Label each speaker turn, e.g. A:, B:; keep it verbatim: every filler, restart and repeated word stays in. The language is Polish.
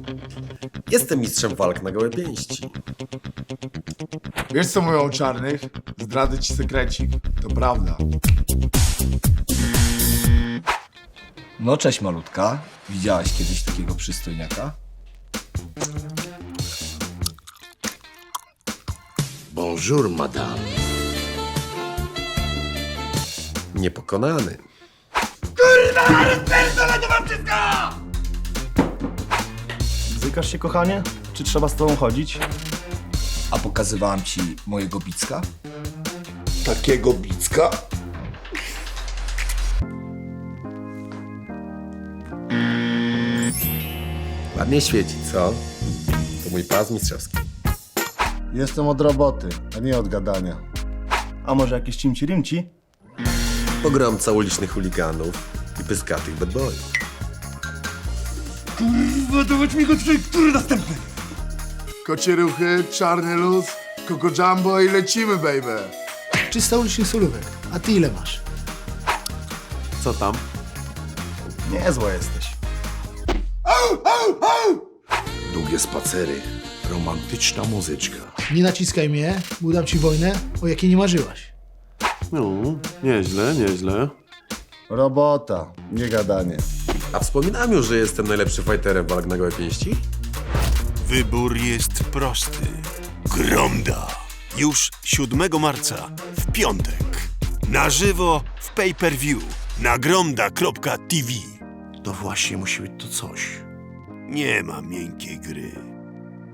A: Jestem mistrzem walk na gołe pięści.
B: Wiesz co mówią o czarnych? Zdradzę ci sekrecik. To prawda.
C: No cześć malutka. Widziałaś kiedyś takiego przystojniaka?
D: Bonjour, madame.
A: Niepokonany.
E: Bzykasz się, kochanie? Czy trzeba z tobą chodzić?
C: A pokazywałam ci mojego bicka?
D: Takiego bicka?
A: Ładnie świeci, co? To mój pas mistrzowski.
B: Jestem od roboty, a nie od gadania.
E: A może jakieś cimci-rimci?
A: Pogromca ulicznych chuliganów i pyskatych bad boyów.
B: Kocie ruchy, czarny luz, Coco Jumbo i lecimy, baby.
F: trzysta ulicznych solówek. A ty ile masz?
A: Co tam?
E: Niezła jesteś.
D: Długie spacery, romantyczna muzyczka.
F: Nie naciskaj mnie, bo dam ci wojnę, o jakiej nie marzyłaś.
G: No, nieźle, nieźle.
B: Robota, nie gadanie.
A: A wspominałem już, że jestem najlepszym fighterem walk na gołe pięści?
H: Wybór jest prosty. Gromda. Już siódmego marca, w piątek. Na żywo w pay-per-view na gromda kropka t v.
D: To właśnie musi być to coś.
H: Nie ma miękkiej gry.